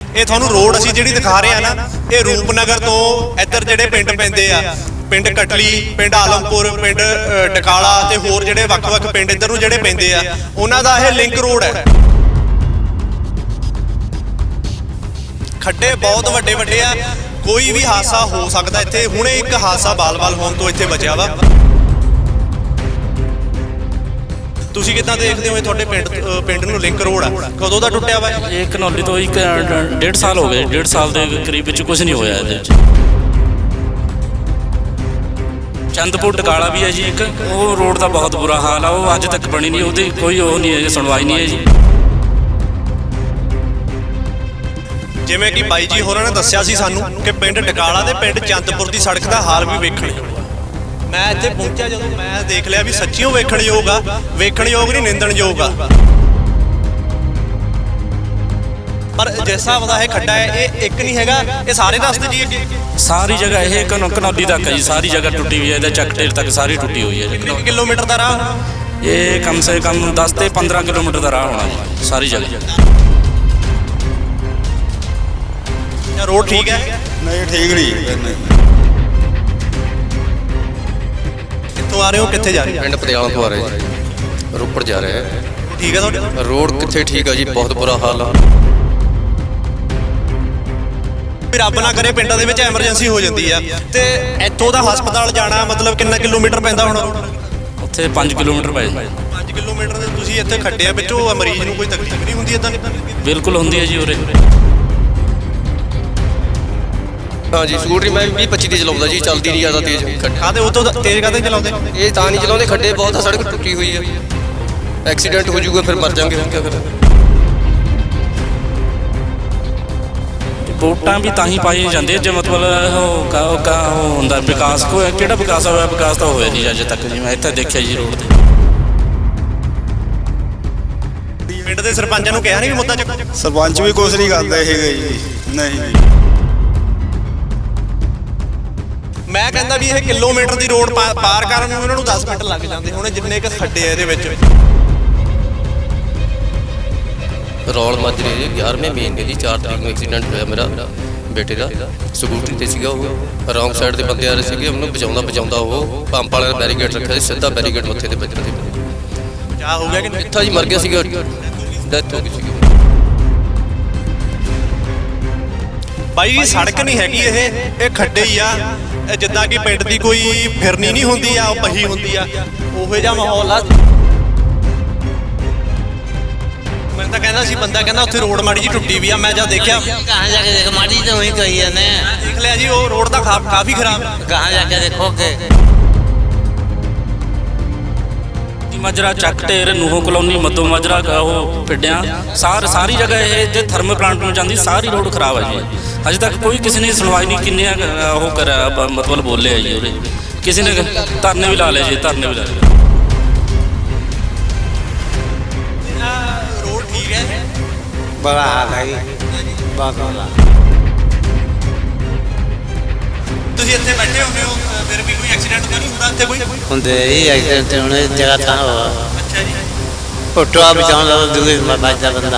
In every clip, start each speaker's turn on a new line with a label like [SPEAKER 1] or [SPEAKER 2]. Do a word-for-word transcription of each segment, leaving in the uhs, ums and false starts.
[SPEAKER 1] ਇਹ ਤੁਹਾਨੂੰ ਰੋਡ ਅਸੀਂ ਜਿਹੜੀ ਦਿਖਾ ਰਹੇ ਆ ਨਾ, ਇਹ ਰੂਪਨਗਰ ਤੋਂ ਇੱਧਰ ਜਿਹੜੇ ਪਿੰਡ ਪੈਂਦੇ ਆ, ਪਿੰਡ ਕਟਲੀ, ਪਿੰਡ ਆਲਮਪੁਰ, ਪਿੰਡ ਡਕਾਲਾ ਤੇ ਹੋਰ ਜਿਹੜੇ ਵੱਖ-ਵੱਖ ਪਿੰਡ ਇੱਧਰ ਨੂੰ ਜਿਹੜੇ ਪੈਂਦੇ ਆ, ਉਹਨਾਂ ਦਾ ਇਹ ਲਿੰਕ ਰੋਡ ਹੈ। ਖੱਡੇ ਬਹੁਤ ਵੱਡੇ ਵੱਡੇ ਆ, ਕੋਈ ਵੀ ਹਾਦਸਾ ਹੋ ਸਕਦਾ ਇੱਥੇ। ਹੁਣੇ ਇੱਕ ਹਾਦਸਾ ਬਾਲ-ਬਾਲ ਹੋਣ ਤੋਂ ਇੱਥੇ ਬਚਿਆ ਵਾ। ਤੁਸੀਂ ਕਿੱਦਾਂ ਦੇਖਦੇ ਹੋ? ਤੁਹਾਡੇ ਪਿੰਡ ਪਿੰਡ ਨੂੰ ਲਿੰਕ ਰੋਡ ਆ, ਕਦੋਂ ਦਾ ਟੁੱਟਿਆ ਵਾ?
[SPEAKER 2] ਇਹ ਘਨੌਲੀ ਤੋਂ ਇੱਕ ਡੇਢ ਸਾਲ ਹੋ ਗਏ, ਡੇਢ ਸਾਲ ਦੇ ਕਰੀਬ ਵਿੱਚ ਕੁਝ ਨਹੀਂ ਹੋਇਆ ਇਹਦੇ ਵਿੱਚ। ਚੰਦਪੁਰ ਟਕਾਲਾ ਵੀ ਹੈ ਜੀ ਇੱਕ, ਉਹ ਰੋਡ ਦਾ ਬਹੁਤ ਬੁਰਾ ਹਾਲ ਆ, ਉਹ ਅੱਜ ਤੱਕ ਬਣੀ ਨਹੀਂ, ਉਹਦੀ ਕੋਈ ਉਹ ਨਹੀਂ ਹੈ, ਸੁਣਵਾਈ ਨਹੀਂ ਹੈ ਜੀ।
[SPEAKER 1] ਜਿਵੇਂ ਕਿ ਬਾਈ ਜੀ ਹੋਰਾਂ ਨੇ ਦੱਸਿਆ ਸੀ ਸਾਨੂੰ ਕਿ ਪਿੰਡ ਟਕਾਲਾ ਤੇ ਪਿੰਡ ਚੰਦਪੁਰ ਦੀ ਸੜਕ ਦਾ ਹਾਲ ਵੀ ਵੇਖਣ। ਮੈਂ ਇੱਥੇ ਪਹੁੰਚਿਆ ਜਦੋਂ ਮੈਂ ਦੇਖ ਲਿਆ ਵੀ ਸੱਚੀਓ ਵੇਖਣ ਯੋਗ ਆ, ਵੇਖਣ ਯੋਗ ਨਹੀਂ ਨਿੰਦਣ ਯੋਗ ਆ। ਪਰ ਜਿਸ ਹਿਸਾਬ ਦਾ ਇਹ ਖੱਡਾ ਹੈ, ਇਹ ਇੱਕ ਨਹੀਂ ਹੈਗਾ, ਇਹ ਸਾਰੇ ਰਸਤੇ ਜੀ ਅੱਗੇ
[SPEAKER 2] ਸਾਰੀ ਜਗ੍ਹਾ ਇਹ ਘਨੌਲੀ ਤੱਕ ਹੈ ਜੀ, ਸਾਰੀ ਜਗ੍ਹਾ ਟੁੱਟੀ ਹੋਈ ਹੈ, ਇਹਦਾ ਚੱਕ ਢੇਰ ਤੱਕ ਸਾਰੀ ਟੁੱਟੀ ਹੋਈ ਹੈ ਜੀ।
[SPEAKER 1] ਕਿੰਨੇ ਕਿਲੋਮੀਟਰ ਦਾ ਰਾਹ?
[SPEAKER 2] ਇਹ ਕਮ ਸੇ ਕਮ ਦਸ ਤੇ ਪੰਦਰਾਂ ਕਿਲੋਮੀਟਰ ਦਾ ਰਾਹ ਹੋਣਾ ਜੀ ਸਾਰੀ ਜਗ੍ਹਾ।
[SPEAKER 1] ਰੋਡ ਠੀਕ ਹੈ?
[SPEAKER 3] ਨਹੀਂ ਠੀਕ ਨਹੀਂ।
[SPEAKER 1] ਕਿੱਥੋਂ ਆ ਰਹੇ ਹੋ, ਕਿੱਥੇ ਜਾ ਰਹੇ ਹੋ?
[SPEAKER 4] ਪਿੰਡ ਪਟਿਆਲਾ ਤੋਂ ਆ ਰਹੇ ਜੀ, ਰੋਪੜ ਜਾ ਰਹੇ ਹੈ।
[SPEAKER 1] ਠੀਕ ਹੈ ਤੁਹਾਡਾ
[SPEAKER 4] ਰੋਡ ਕਿੱਥੇ ਠੀਕ ਆ ਜੀ, ਬਹੁਤ ਬੁਰਾ ਹਾਲ ਆ।
[SPEAKER 1] ਵੀ ਰੱਬ ਨਾ ਕਰੇ ਪਿੰਡਾਂ ਦੇ ਵਿੱਚ ਐਮਰਜੈਂਸੀ ਹੋ ਜਾਂਦੀ ਆ ਤੇ ਇੱਥੋਂ ਦਾ ਹਸਪਤਾਲ ਜਾਣਾ ਮਤਲਬ ਕਿੰਨਾ ਕਿਲੋਮੀਟਰ ਪੈਂਦਾ ਹੁਣ?
[SPEAKER 2] ਉੱਥੇ ਪੰਜ ਕਿਲੋਮੀਟਰ ਪੈ ਜਾਂਦਾ।
[SPEAKER 1] ਪੰਜ ਕਿਲੋਮੀਟਰ ਦੇ ਤੁਸੀਂ ਇੱਥੇ ਖੱਡਿਆ ਵਿੱਚੋਂ ਮਰੀਜ਼ ਨੂੰ ਕੋਈ ਤਕਲੀਫ ਨਹੀਂ ਹੁੰਦੀ ਇਦਾਂ?
[SPEAKER 2] ਬਿਲਕੁਲ ਹੁੰਦੀ ਹੈ ਜੀ ਉਰੇ।
[SPEAKER 4] ਹਾਂ ਜੀ, ਸਕੂਟਰੀ ਮੈਂ ਵੀਹ ਪੱਚੀ ਦੀ ਚਲਾਉਂਦਾ ਜੀ, ਚੱਲਦੀ ਨਹੀਂ ਜ਼ਿਆਦਾ ਤੇਜ਼।
[SPEAKER 1] ਕਾਹਦੇ ਉਹ ਤੋਂ ਤੇਜ਼ ਕਾਹਦੇ ਚਲਾਉਂਦੇ?
[SPEAKER 4] ਇਹ ਤਾਂ ਨਹੀਂ ਚਲਾਉਂਦੇ, ਖੱਡੇ ਬਹੁਤ ਆ, ਸੜਕ ਟੁੱਟੀ ਹੋਈ ਆ, ਐਕਸੀਡੈਂਟ ਹੋ ਜਾਊਗਾ ਫਿਰ ਮਰ ਜਾਵਾਂਗੇ, ਹੁਣ ਕੀ ਫਿਰ।
[SPEAKER 2] ਵੋਟਾਂ ਵੀ ਤਾਂ ਹੀ ਪਾਈ ਜਾਂਦੇ ਜੇ ਮਤਲਬ ਉਹ ਕਾ ਕਾ ਉਹ ਹੁੰਦਾ ਵਿਕਾਸ, ਕੋਈ ਕਿਹੜਾ ਵਿਕਾਸ ਹੋਇਆ? ਵਿਕਾਸ ਤਾਂ ਹੋਇਆ ਨਹੀਂ ਅਜੇ ਤੱਕ ਜੀ, ਮੈਂ ਇੱਥੇ ਦੇਖਿਆ ਜੀ ਰੋਡ ਤੇ।
[SPEAKER 1] ਪਿੰਡ ਦੇ ਸਰਪੰਚਾਂ ਨੂੰ ਕਿਹਾ ਨਹੀਂ ਵੀ ਮੁੱਦਾ ਚੱਕੋ?
[SPEAKER 3] ਸਰਪੰਚ ਵੀ ਕੁਛ ਨਹੀਂ ਕਰਦਾ ਹੈਗੇ ਜੀ, ਨਹੀਂ।
[SPEAKER 1] ਮੈਂ ਕਹਿੰਦਾ ਵੀ ਇਹ ਕਿਲੋਮੀਟਰ ਦੀ ਰੋਡ ਪਾਰ ਕਰਨ ਨੂੰ ਇਹਨਾਂ ਨੂੰ ਦਸ ਮਿੰਟ ਲੱਗ ਜਾਂਦੇ ਹੁਣ, ਜਿੰਨੇ ਕੁ ਖੱਡੇ ਆ ਇਹਦੇ ਵਿੱਚ।
[SPEAKER 4] ਰੌਲ ਮਾਜਰੇ ਜੀ ਗਿਆਰਵੇਂ ਮਹੀਨੇ ਦੀ ਚਾਰ ਤਰੀਕ ਨੂੰ ਐਕਸੀਡੈਂਟ ਹੋਇਆ ਮੇਰਾ ਬੇਟੇ ਦਾ। ਸਕੂਟਰੀ ਤੇ ਸੀਗਾ ਉਹ, ਰੌਂਗ ਸਾਈਡ ਦੇ ਬੰਦੇ ਆ ਰਹੇ ਸੀਗੇ, ਉਹਨੂੰ ਬਚਾਉਂਦਾ ਬਚਾਉਂਦਾ ਉਹ ਪੰਪ ਵਾਲੇ ਨੇ ਬੈਰੀਕੇਡ ਰੱਖਿਆ ਸੀ, ਸਿੱਧਾ ਬੈਰੀਕੇਡ ਮੱਥੇ ਤੇ ਵੱਜਣ ਦੀ
[SPEAKER 1] ਕਿਆ ਹੋ ਗਿਆ ਕਿ
[SPEAKER 4] ਇੱਥਾ ਜੀ ਮਰ ਗਿਆ ਸੀਗਾ, ਡੈਥ ਹੋ ਗਈ ਸੀਗੀ।
[SPEAKER 1] ਬਾਈ ਜੀ ਸੜਕ ਨਹੀਂ ਹੈਗੀ ਇਹ, ਇਹ ਖੱਡੇ ਹੀ ਆ। ਜਿੱਦਾਂ ਕਿ ਪਿੰਡ ਦੀ ਕੋਈ ਫਿਰਨੀ ਨਹੀਂ ਹੁੰਦੀ ਆ, ਉਹ ਪਹੀ ਹੁੰਦੀ ਆ, ਉਹੋ ਜਿਹਾ ਮਾਹੌਲ ਆ। ਮੈਂ ਤਾਂ ਕਹਿੰਦਾ ਸੀ, ਬੰਦਾ ਕਹਿੰਦਾ ਉੱਥੇ ਰੋਡ ਮਾੜੀ ਜੀ ਟੁੱਟੀ ਵੀ ਆ, ਮੈਂ ਜਦ ਦੇਖਿਆ
[SPEAKER 5] कहाँ जाके देखो माटी तो वहीं कही है ने
[SPEAKER 1] ਦੇਖ ਲਿਆ ਜੀ ਉਹ ਰੋਡ ਤਾਂ ਖਾ- ਕਾਫੀ ਖਰਾਬ ਆ।
[SPEAKER 5] कहाँ जाके देखोगे
[SPEAKER 2] ਮਾਜਰਾ, ਚੱਕ ਢੇਰ, ਨੂਹੋ ਕਲੋਨੀ, ਮੱਦੋ ਮਾਜਰਾ, ਉਹ ਪਿੰਡਿਆਂ ਸਾਰ ਸਾਰੀ ਜਗ੍ਹਾ ਇਹ ਜੇ ਥਰਮਲ ਪਲਾਂਟ ਨੂੰ ਜਾਂਦੀ ਸਾਰੀ ਰੋਡ ਖਰਾਬ ਹੈ ਜੀ। ਅਜੇ ਤੱਕ ਕੋਈ ਕਿਸੇ ਨੇ ਸੁਣਵਾਈ ਨਹੀਂ, ਕਿੰਨੇ ਉਹ ਕਰਿਆ ਮਤਲਬ ਬੋਲੇ ਜੀ ਉਰੇ, ਕਿਸੇ ਨੇ ਧਰਨੇ ਵੀ ਲਾ ਲਏ ਜੀ, ਧਰਨੇ ਵੀ ਲਾ ਲਏ।
[SPEAKER 1] ਰੋਡ ਠੀਕ ਹੈ?
[SPEAKER 6] बड़ा हाल है बहुत बड़ा।
[SPEAKER 1] ਤੁਸੀਂ ਇੱਥੇ ਬੈਠੇ ਹੁੰਦੇ ਹੋ, ਫਿਰ ਵੀ ਕੋਈ ਐਕਸੀਡੈਂਟ ਤਾਂ ਨਹੀਂ ਹੁੰਦਾ ਇੱਥੇ ਕੋਈ?
[SPEAKER 6] ਹੁੰਦੇ ਹੀ ਐਕਸੀਡੈਂਟ ਹੋਣੇ ਜਗ੍ਹਾ ਤਾਂ ਹੋਆ
[SPEAKER 1] ਅੱਛਾ ਜੀ।
[SPEAKER 6] ਫੋਟੋਆ ਬਚਾਉਂਦਾ ਦੂਏ ਬਚਦਾ ਬੰਦਾ।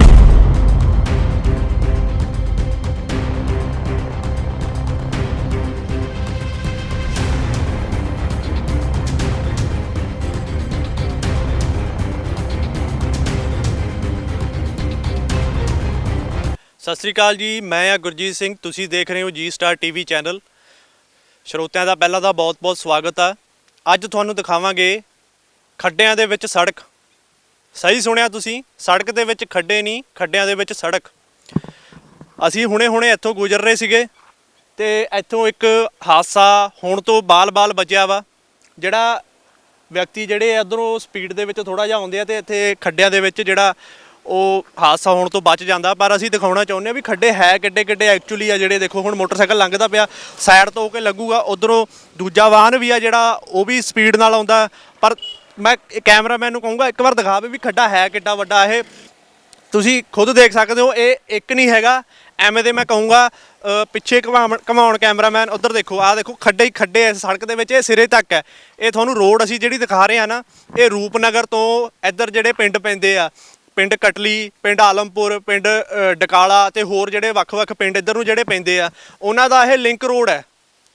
[SPEAKER 1] ਸਤਿ ਸ੍ਰੀ ਅਕਾਲ ਜੀ, ਮੈਂ ਆ ਗੁਰਜੀਤ ਸਿੰਘ, ਤੁਸੀਂ ਦੇਖ ਰਹੇ ਹੋ ਜੀ ਸਟਾਰ ਟੀਵੀ ਚੈਨਲ। ਸਰੋਤਿਆਂ ਦਾ ਪਹਿਲਾਂ ਤਾਂ ਬਹੁਤ-ਬਹੁਤ ਸਵਾਗਤ ਆ। ਅੱਜ ਤੁਹਾਨੂੰ ਦਿਖਾਵਾਂਗੇ ਖੱਡਿਆਂ ਦੇ ਵਿੱਚ ਸੜਕ। ਸਹੀ ਸੁਣਿਆ ਤੁਸੀਂ, ਸੜਕ ਦੇ ਵਿੱਚ ਖੱਡੇ ਨਹੀਂ, ਖੱਡਿਆਂ ਦੇ ਵਿੱਚ ਸੜਕ। ਅਸੀਂ ਹੁਣੇ-ਹੁਣੇ ਇੱਥੋਂ ਗੁਜ਼ਰ ਰਹੇ ਸੀਗੇ ਤੇ ਇੱਥੋਂ ਇੱਕ ਹਾਦਸਾ ਹੋਣ ਤੋਂ ਬਾਲ-ਬਾਲ ਬਚਿਆ ਵਾ। ਜਿਹੜਾ ਵਿਅਕਤੀ ਜਿਹੜੇ ਇੱਧਰੋਂ ਸਪੀਡ ਦੇ ਵਿੱਚ ਥੋੜ੍ਹਾ ਜਿਹਾ ਆਉਂਦੇ ਆ ਤੇ ਇੱਥੇ ਖੱਡਿਆਂ ਦੇ ਵਿੱਚ ਜਿਹੜਾ ਉਹ ਹਾਦਸਾ ਹੋਣ ਤੋਂ ਬਚ ਜਾਂਦਾ। ਪਰ ਅਸੀਂ ਦਿਖਾਉਣਾ ਚਾਹੁੰਦੇ ਹਾਂ ਵੀ ਖੱਡੇ ਹੈ ਕਿੱਡੇ ਕਿੱਡੇ ਐਕਚੁਅਲੀ ਆ। ਜਿਹੜੇ ਦੇਖੋ ਹੁਣ ਮੋਟਰਸਾਈਕਲ ਲੰਘਦਾ ਪਿਆ, ਸਾਈਡ ਤੋਂ ਹੋ ਕੇ ਲੱਗੂਗਾ, ਉੱਧਰੋਂ ਦੂਜਾ ਵਾਹਨ ਵੀ ਆ ਜਿਹੜਾ ਉਹ ਵੀ ਸਪੀਡ ਨਾਲ ਆਉਂਦਾ। ਪਰ ਮੈਂ ਕੈਮਰਾਮੈਨ ਨੂੰ ਕਹੂੰਗਾ ਇੱਕ ਵਾਰ ਦਿਖਾਵੇ ਵੀ ਖੱਡਾ ਹੈ ਕਿੱਡਾ ਵੱਡਾ। ਇਹ ਤੁਸੀਂ ਖੁਦ ਦੇਖ ਸਕਦੇ ਹੋ, ਇਹ ਇੱਕ ਨਹੀਂ ਹੈਗਾ, ਐਵੇਂ ਦੇ ਮੈਂ ਕਹੂੰਗਾ ਪਿੱਛੇ ਘੁਮਾਉਣ ਘੁਮਾਉਣ ਕੈਮਰਾਮੈਨ ਉੱਧਰ ਦੇਖੋ, ਆਹ ਦੇਖੋ ਖੱਡੇ ਹੀ ਖੱਡੇ ਇਸ ਸੜਕ ਦੇ ਵਿੱਚ, ਇਹ ਸਿਰੇ ਤੱਕ ਹੈ। ਇਹ ਤੁਹਾਨੂੰ ਰੋਡ ਅਸੀਂ ਜਿਹੜੀ ਦਿਖਾ ਰਹੇ ਹਾਂ ਨਾ, ਇਹ ਰੂਪਨਗਰ ਤੋਂ ਇੱਧਰ ਜਿਹੜੇ ਪਿੰਡ ਪੈਂਦੇ ਆ, ਪਿੰਡ ਕਟਲੀ, ਪਿੰਡ ਆਲਮਪੁਰ, ਪਿੰਡ ਅ, ਡਕਾਲਾ ਤੇ ਹੋਰ ਜਿਹੜੇ ਵੱਖ-ਵੱਖ ਪਿੰਡ ਇੱਧਰ ਨੂੰ ਜਿਹੜੇ ਪੈਂਦੇ ਆ ਉਹਨਾਂ ਦਾ ਇਹ ਲਿੰਕ ਰੋਡ ਹੈ।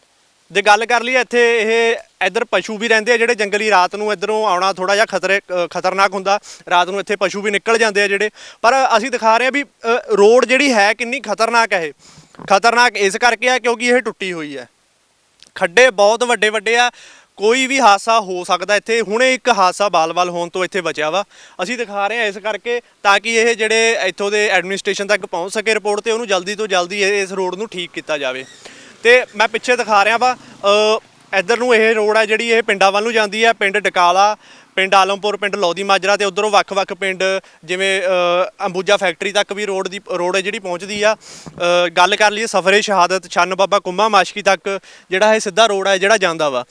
[SPEAKER 1] ਜੇ ਗੱਲ ਕਰ ਲਈਏ ਇੱਥੇ ਇਹ ਇੱਧਰ ਪਸ਼ੂ ਵੀ ਰਹਿੰਦੇ ਆ ਜਿਹੜੇ ਜੰਗਲੀ, ਰਾਤ ਨੂੰ ਇੱਧਰੋਂ ਆਉਣਾ ਥੋੜਾ ਜਿਹਾ ਖਤਰੇ ਅ, ਖਤਰਨਾਕ ਹੁੰਦਾ। ਰਾਤ ਨੂੰ ਇੱਥੇ ਪਸ਼ੂ ਵੀ ਨਿਕਲ ਜਾਂਦੇ ਆ ਜਿਹੜੇ, ਪਰ ਅਸੀਂ ਦਿਖਾ ਰਹੇ ਹਾਂ ਵੀ ਅ, ਰੋਡ ਜਿਹੜੀ ਹੈ ਕਿੰਨੀ ਖਤਰਨਾਕ ਹੈ। ਇਹ ਖਤਰਨਾਕ ਇਸ ਕਰਕੇ ਆ ਕਿਉਂਕਿ ਇਹ ਟੁੱਟੀ ਹੋਈ ਹੈ। ਖੱਡੇ ਬਹੁਤ ਵੱਡੇ ਵੱਡੇ ਆ, ਕੋਈ ਵੀ ਹਾਦਸਾ ਹੋ ਸਕਦਾ ਇੱਥੇ। ਹੁਣੇ ਇੱਕ ਹਾਦਸਾ ਬਾਲ-ਬਾਲ ਹੋਣ ਤੋਂ ਇੱਥੇ ਬਚਿਆ ਵਾ। ਅਸੀਂ ਦਿਖਾ ਰਹੇ ਹਾਂ ਇਸ ਕਰਕੇ ਤਾਂ ਕਿ ਇਹ ਜਿਹੜੇ ਇੱਥੋਂ ਦੇ ਐਡਮਿਨਿਸਟ੍ਰੇਸ਼ਨ ਤੱਕ ਪਹੁੰਚ ਸਕੇ ਰਿਪੋਰਟ ਤੇ ਉਹਨੂੰ ਜਲਦੀ ਤੋਂ ਜਲਦੀ ਇਹ- ਇਸ ਰੋਡ ਨੂੰ ਠੀਕ ਕੀਤਾ ਜਾਵੇ। ਤੇ ਮੈਂ ਪਿੱਛੇ ਦਿਖਾ ਰਿਹਾ ਵਾ ਅ, ਇੱਧਰ ਨੂੰ ਇਹ ਰੋਡ ਹੈ ਜਿਹੜੀ ਇਹ ਪਿੰਡਾਂ ਵੱਲ ਨੂੰ ਜਾਂਦੀ ਹੈ। ਪਿੰਡ ਡਕਾਲਾ, ਪਿੰਡ ਆਲਮਪੁਰ, ਪਿੰਡ ਲੋਧੀ ਮਾਜਰਾ ਤੇ ਉਧਰੋਂ ਵੱਖ-ਵੱਖ ਪਿੰਡ ਜਿਵੇਂ ਅ, ਅੰਬੂਜਾ ਫੈਕਟਰੀ ਤੱਕ ਵੀ ਰੋਡ ਦੀ ਰੋਡ ਹੈ ਜਿਹੜੀ ਪਹੁੰਚਦੀ ਆ। ਅ, ਗੱਲ ਕਰ ਲਈਏ ਸਫਰੇ ਸ਼ਹਾਦਤ, ਛੰਨ ਬਾਬਾ ਕੁੰਮਾ ਮਾਸ਼ਕੀ ਤੱਕ ਜਿਹੜਾ ਇਹ ਸਿੱਧਾ ਰੋਡ ਹੈ ਜਿਹੜਾ ਜਾਂਦਾ ਵਾ।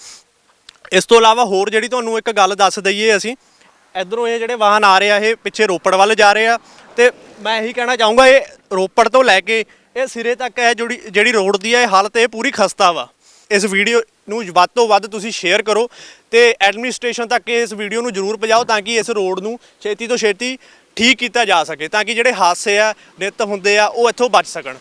[SPEAKER 1] ਇਸ ਤੋਂ ਇਲਾਵਾ ਹੋਰ ਜਿਹੜੀ ਤੁਹਾਨੂੰ ਇੱਕ ਗੱਲ ਦੱਸ ਦਈਏ ਅਸੀਂ, ਇੱਧਰੋਂ ਇਹ ਜਿਹੜੇ ਵਾਹਨ ਆ ਰਹੇ ਆ ਇਹ ਪਿੱਛੇ ਰੋਪੜ ਵੱਲ ਜਾ ਰਹੇ ਆ ਤੇ ਮੈਂ ਇਹੀ ਕਹਿਣਾ ਚਾਹੂੰਗਾ ਇਹ ਰੋਪੜ ਤੋਂ ਲੈ ਕੇ ਇਹ ਸਿਰੇ ਤੱਕ ਹੈ ਜਿਹੜੀ ਜਿਹੜੀ ਰੋਡ ਦੀ ਹੈ ਇਹ ਹਾਲਤ ਇਹ ਪੂਰੀ ਖਸਤਾ ਵਾ। ਇਸ ਵੀਡੀਓ ਨੂੰ ਵੱਧ ਤੋਂ ਵੱਧ ਤੁਸੀਂ ਸ਼ੇਅਰ ਕਰੋ ਤੇ ਐਡਮਿਨਿਸਟ੍ਰੇਸ਼ਨ ਤੱਕ ਇਸ ਵੀਡੀਓ ਨੂੰ ਜ਼ਰੂਰ ਪਹੁੰਚਾਓ ਤਾਂ ਕਿ ਇਸ ਰੋਡ ਨੂੰ ਛੇਤੀ ਤੋਂ ਛੇਤੀ ਠੀਕ ਕੀਤਾ ਜਾ ਸਕੇ, ਤਾਂ ਕਿ ਜਿਹੜੇ ਹਾਦਸੇ ਆ ਨਿੱਤ ਹੁੰਦੇ ਆ ਉਹ ਇੱਥੋਂ ਬਚ ਸਕਣ।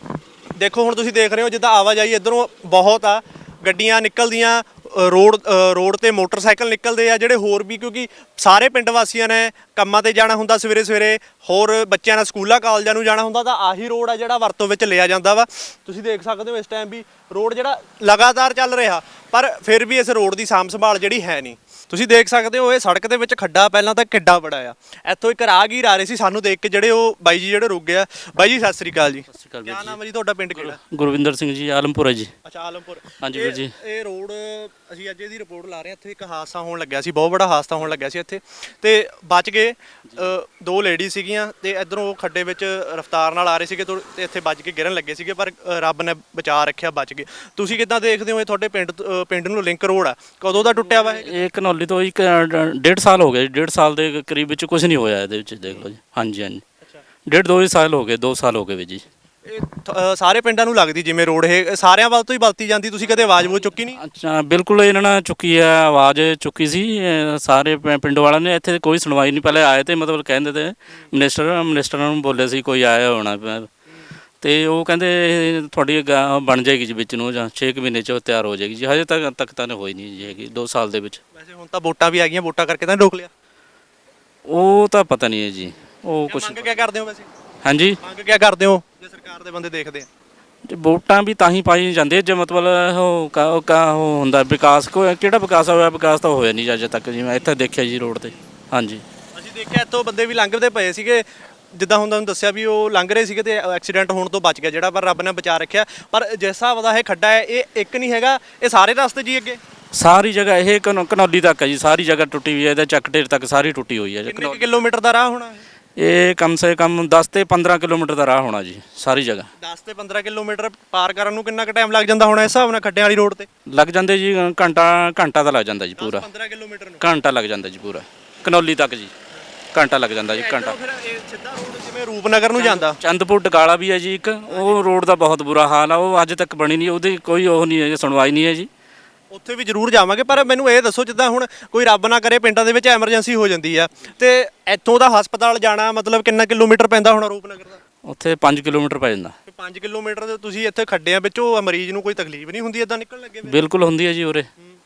[SPEAKER 1] ਦੇਖੋ ਹੁਣ ਤੁਸੀਂ ਦੇਖ ਰਹੇ ਹੋ ਜਿੱਦਾਂ ਆਵਾਜਾਈ ਇੱਧਰੋਂ ਬਹੁਤ ਆ, ਗੱਡੀਆਂ ਨਿਕਲਦੀਆਂ, ਅ, ਰੋਡ ਅ, ਰੋਡ ਤੇ ਮੋਟਰਸਾਈਕਲ ਨਿਕਲਦੇ ਆ ਜਿਹੜੇ ਹੋਰ ਵੀ, ਕਿਉਂਕਿ ਸਾਰੇ ਪਿੰਡ ਵਾਸੀਆਂ ਨੇ ਕੰਮਾਂ ਤੇ ਜਾਣਾ ਹੁੰਦਾ ਸਵੇਰੇ ਸਵੇਰੇ, ਹੋਰ ਬੱਚਿਆਂ ਨੇ ਸਕੂਲਾਂ ਕਾਲਜਾਂ ਨੂੰ ਜਾਣਾ ਹੁੰਦਾ, ਤਾਂ ਆਹੀ ਰੋਡ ਆ ਜਿਹੜਾ ਵਰਤੋਂ ਵਿੱਚ ਲਿਆ ਜਾਂਦਾ ਵਾ। ਤੁਸੀਂ ਦੇਖ ਸਕਦੇ ਹੋ ਇਸ ਟਾਈਮ ਵੀ ਰੋਡ ਜਿਹੜਾ ਲਗਾਤਾਰ ਚੱਲ ਰਿਹਾ, ਪਰ ਫਿਰ ਵੀ ਇਸ ਰੋਡ ਦੀ ਸਾਂਭ ਸੰਭਾਲ ਜਿਹੜੀ ਹੈ ਨਹੀਂ। ਤੁਸੀਂ ਦੇਖ ਸਕਦੇ ਹੋ ਇਹ ਸੜਕ ਦੇ ਵਿੱਚ ਖੱਡਾ ਪਹਿਲਾਂ ਤਾਂ ਕਿੱਡਾ ਬੜਾ ਆ। ਇੱਥੋਂ ਇੱਕ ਰਾਹਗੀਰ ਆ ਰਹੇ ਸੀ, ਸਾਨੂੰ ਦੇਖ ਕੇ ਜਿਹੜੇ ਉਹ ਬਾਈ ਜੀ ਜਿਹੜੇ ਰੁਕ ਗਿਆ। ਬਾਈ ਜੀ ਸਤਿ ਸ੍ਰੀ ਅਕਾਲ ਜੀ।
[SPEAKER 2] ਸਤਿ ਸ਼੍ਰੀ ਅਕਾਲ
[SPEAKER 1] ਕਿਆ
[SPEAKER 2] ਵੀਰ
[SPEAKER 1] ਨਾਮ ਹੈ ਜੀ ਤੁਹਾਡਾ, ਪਿੰਡ ਕਿਹੜਾ?
[SPEAKER 2] ਜੀ। ਗੁਰਵਿੰਦਰ ਸਿੰਘ ਜੀ, ਆਲਮਪੁਰ ਹੈ ਜੀ।
[SPEAKER 1] ਅੱਛਾ ਆਲਮਪੁਰ।
[SPEAKER 2] ਹਾਂਜੀ
[SPEAKER 1] ਇਹ-
[SPEAKER 2] ਵੀਰ ਜੀ।
[SPEAKER 1] ਇਹ ਰੋਡ ਅਸੀਂ ਅੱਜ ਇਹਦੀ ਰਿਪੋਰਟ ਲਾ ਰਹੇ ਹਾਂ। ਇੱਥੇ ਇੱਕ ਹਾਦਸਾ ਹੋਣ ਲੱਗਿਆ ਸੀ, ਬਹੁਤ ਵੱਡਾ ਹਾਦਸਾ ਹੋਣ ਲੱਗਿਆ ਸੀ ਇੱਥੇ ਤੇ ਬਚ ਗਏ। ਅ, ਦੋ ਲੇਡੀ ਸੀਗੀਆਂ ਤੇ ਇਧਰੋਂ ਉਹ ਖੱਡੇ ਵਿੱਚ ਰਫ਼ਤਾਰ ਨਾਲ ਆ ਰਹੇ ਸੀਗੇ ਤੋਂ- ਤੇ ਇੱਥੇ ਵੱਜ ਕੇ ਗਿਰਨ ਲੱਗੇ ਸੀਗੇ, ਪਰ ਅ, ਰੱਬ ਨੇ ਬਚਾ ਰੱਖਿਆ, ਬਚ ਗਏ। ਤੁਸੀਂ ਕਿੱਦਾਂ ਦੇਖਦੇ ਹੋ ਇਹ ਤੁਹਾਡੇ ਪਿੰਡ ਤੋਂ- ਅ, ਪਿੰਡ ਨੂੰ ਲਿੰਕ ਰੋਡ ਆ, ਕਦੋਂ ਦਾ ਟੁੱਟਿਆ ਵਾ ਇਹ?
[SPEAKER 2] ਇਹ ਘਨੌਲੀ ਤੋਂ ਇੱਕ ਅ, ਡੇਢ ਸਾਲ ਹੋ ਗਏ, ਡੇਢ ਸਾਲ ਦੇ ਕਰੀਬ ਵਿੱਚ ਕੁਝ ਨਹੀਂ ਹੋਇਆ ਇਹਦੇ ਵਿੱਚ, ਦੇਖ ਲਓ ਜੀ। ਹਾਂਜੀ ਹਾਂਜੀ, ਡੇਢ ਦੋ ਹੀ ਸਾਲ ਹੋ ਗਏ, ਦੋ ਸਾਲ ਹੋ ਗਏ ਵੀ ਜੀ।
[SPEAKER 1] ਇਹ ਥ- ਅ, ਸਾਰੇ ਪਿੰਡਾਂ ਨੂੰ ਲੱਗਦੀ ਜਿਵੇਂ ਰੋਡ ਇਹ ਸਾਰਿਆਂ ਵੱਲ ਤੋਂ ਹੀ ਵਰਤੀ ਜਾਂਦੀ, ਤੁਸੀਂ ਕਦੇ ਆਵਾਜ਼ ਬੋ ਚੁੱਕੀ ਨਹੀਂ?
[SPEAKER 2] ਅੱਛਾ, ਬਿਲਕੁਲ ਇਹਨਾਂ ਨੇ ਚੁੱਕੀ ਹੈ, ਆਵਾਜ਼ ਚੁੱਕੀ ਸੀ ਅ, ਸਾਰੇ ਪਿੰ- ਪਿੰਡ ਵਾਲਿਆਂ ਨੇ। ਇੱਥੇ ਕੋਈ ਸੁਣਵਾਈ ਨਹੀਂ, ਪਹਿਲੇ ਆਏ ਤੇ ਮਤਲਬ ਕਹਿੰਦੇ ਤੇ ਮਿਨਿਸਟਰ ਮਿਨਿਸਟਰਾਂ ਨੂੰ ਬੋਲੇ ਸੀ ਕੋਈ ਆਇਆ ਹੋਣਾ ਪ- ਤੇ ਉਹ ਕਹਿੰਦੇ ਇਹ ਤੁਹਾਡੀ ਗਾ- ਬਣ ਜਾਏਗੀ ਜੀ ਵਿੱਚ ਨੂੰ, ਜਾਂ ਛੇ ਕੁ ਮਹੀਨੇ 'ਚ ਉਹ ਤਿਆਰ ਹੋ ਜਾਏਗੀ ਜੀ। ਹਜੇ ਤੱਕ ਤੱਕ ਤਾਂ ਹੋਈ ਨਹੀਂ ਜੀ ਹੈਗੀ ਦੋ ਸਾਲ ਦੇ ਵਿੱਚ।
[SPEAKER 1] ਵੈਸੇ ਹੁਣ ਤਾਂ ਵੋਟਾਂ ਵੀ ਆ ਗਈਆਂ, ਵੋਟਾਂ ਕਰਕੇ ਤਾਂ ਰੋਕ ਲਿਆ।
[SPEAKER 2] ਉਹ ਤਾਂ ਪਤਾ ਨਹੀਂ ਹੈ ਜੀ, ਉਹ ਕੁਛ।
[SPEAKER 1] ਮੰਗ ਕਿਆ ਕਰਦੇ ਹੋ ਵੈਸੇ?
[SPEAKER 2] ਹਾਂਜੀ,
[SPEAKER 1] ਮੰਗ ਕਿਆ ਕਰਦੇ ਹੋ ਜੇ ਸਰਕਾਰ ਦੇ ਬੰਦੇ ਦੇਖਦੇ ਆ?
[SPEAKER 2] ਤੇ ਵੋਟਾਂ ਵੀ ਤਾਂ ਹੀ ਪਾਈ ਜਾਂਦੇ ਜੇ ਮਤਲਬ ਉਹ ਕਾ ਉਹ ਕਾ ਉਹ ਹੁੰਦਾ ਵਿਕਾਸ, ਕੋਈ ਕਿਹੜਾ ਵਿਕਾਸ ਹੋਇਆ? ਵਿਕਾਸ ਤਾਂ ਹੋਇਆ ਨਹੀਂ ਅਜੇ ਤੱਕ ਜੀ, ਮੈਂ ਇੱਥੇ ਦੇਖਿਆ ਜੀ ਰੋਡ ਤੇ। ਹਾਂਜੀ,
[SPEAKER 1] ਅਸੀਂ ਦੇਖਿਆ ਇੱਥੋਂ ਬੰਦੇ ਵੀ ਲੰਘਦੇ ਪਏ ਸੀਗੇ, ਜਿੱਦਾਂ ਹੁਣ ਤੁਹਾਨੂੰ ਦੱਸਿਆ ਵੀ ਉਹ ਲੰਘ ਰਹੇ ਸੀਗੇ ਤੇ ਐਕਸੀਡੈਂਟ ਹੋਣ ਤੋਂ ਬਚ ਗਿਆ ਜਿਹੜਾ, ਪਰ ਰੱਬ ਨੇ ਬਚਾ ਰੱਖਿਆ। ਪਰ ਜਿਸ ਹਿਸਾਬ ਦਾ ਇਹ ਖੱਡਾ ਹੈ ਇਹ ਇੱਕ ਨਹੀਂ ਹੈਗਾ, ਇਹ ਸਾਰੇ ਰਸਤੇ ਜੀ ਅੱਗੇ
[SPEAKER 2] ਸਾਰੀ ਜਗ੍ਹਾ ਇਹ ਘਨੌ- ਘਨੌਲੀ ਤੱਕ ਹੈ ਜੀ, ਸਾਰੀ ਜਗ੍ਹਾ ਟੁੱਟੀ ਹੋਈ ਹੈ। ਇਹਦਾ ਚੱਕ ਢੇਰ ਤੱਕ ਸਾਰੀ ਟੁੱਟੀ ਹੋਈ ਹੈ ਜੀ।
[SPEAKER 1] ਕਿੰਨੇ ਕੁ ਕਿਲੋਮੀਟਰ ਦਾ ਰਾਹ ਹੋਣਾ ਇਹ?
[SPEAKER 2] ਇਹ ਕਮ ਸੇ ਕਮ ਦਸ ਤੇ ਪੰਦਰਾਂ ਕਿਲੋਮੀਟਰ ਦਾ ਰਾਹ ਹੋਣਾ ਜੀ, ਸਾਰੀ ਜਗ੍ਹਾ।
[SPEAKER 1] ਦਸ ਤੇ ਪੰਦਰਾਂ ਕਿਲੋਮੀਟਰ ਪਾਰ ਕਰਨ ਨੂੰ ਕਿੰਨਾ ਕੁ ਟਾਈਮ ਲੱਗ ਜਾਂਦਾ ਹੋਣਾ ਇਸ ਹਿਸਾਬ ਨਾਲ ਖੱਡਿਆਂ ਵਾਲੀ ਰੋਡ ਤੇ?
[SPEAKER 2] ਲੱਗ ਜਾਂਦੇ ਜੀ ਘੰਟਾ ਘੰਟਾ ਤਾਂ ਲੱਗ ਜਾਂਦਾ ਜੀ ਪੂਰਾ,
[SPEAKER 1] ਪੰਦਰਾਂ ਕਿਲੋਮੀਟਰ ਨੂੰ
[SPEAKER 2] ਘੰਟਾ ਲੱਗ ਜਾਂਦਾ ਜੀ ਪੂਰਾ ਘਨੌਲੀ ਤੱਕ ਜੀ, ਘੰਟਾ ਲੱਗ ਜਾਂਦਾ ਜੀ, ਘੰਟਾ।
[SPEAKER 1] ਫਿਰ ਇਹ ਸਿੱਧਾ ਰੋਡ ਜਿਵੇਂ ਰੂਪਨਗਰ ਨੂੰ ਜਾਂਦਾ।
[SPEAKER 2] ਚੰਦਪੁਰ ਡਕਾਲਾ ਵੀ ਹੈ ਜੀ ਇੱਕ, ਉਹ ਰੋਡ ਦਾ ਬਹੁਤ ਬੁਰਾ ਹਾਲ ਆ, ਉਹ ਅੱਜ ਤੱਕ ਬਣੀ ਨਹੀਂ, ਉਹਦੀ ਕੋਈ ਉਹ ਨਹੀਂ ਹੈ, ਸੁਣਵਾਈ ਨਹੀਂ ਹੈ ਜੀ।
[SPEAKER 1] ਉੱਥੇ ਵੀ ਜ਼ਰੂਰ ਜਾਵਾਂਗੇ, ਪਰ ਮੈਨੂੰ ਇਹ ਦੱਸੋ ਜਿੱਦਾਂ ਹੁਣ ਕੋਈ ਰੱਬ ਨਾ ਕਰੇ ਪਿੰਡਾਂ ਦੇ ਵਿੱਚ ਐਮਰਜੈਂਸੀ ਹੋ ਜਾਂਦੀ ਆ ਤੇ ਇੱਥੋਂ ਦਾ ਹਸਪਤਾਲ ਜਾਣਾ ਮਤਲਬ ਕਿੰਨਾ ਕਿਲੋਮੀਟਰ ਪੈਂਦਾ ਹੋਣਾ ਰੂਪਨਗਰ ਦਾ?
[SPEAKER 2] ਉੱਥੇ ਪੰਜ ਕਿਲੋਮੀਟਰ ਪੈ ਜਾਂਦਾ।
[SPEAKER 1] ਪੰਜ ਕਿਲੋਮੀਟਰ ਦੇ ਤੁਸੀਂ ਇੱਥੇ ਖੱਡਿਆਂ ਵਿੱਚੋਂ ਮਰੀਜ਼ ਨੂੰ ਕੋਈ ਤਕਲੀਫ ਨਹੀਂ ਹੁੰਦੀ ਇਦਾਂ ਨਿਕਲਣ ਲੱਗੇ?
[SPEAKER 2] ਬਿਲਕੁਲ ਹੁੰਦੀ ਹੈ ਜੀ ਉਰੇ।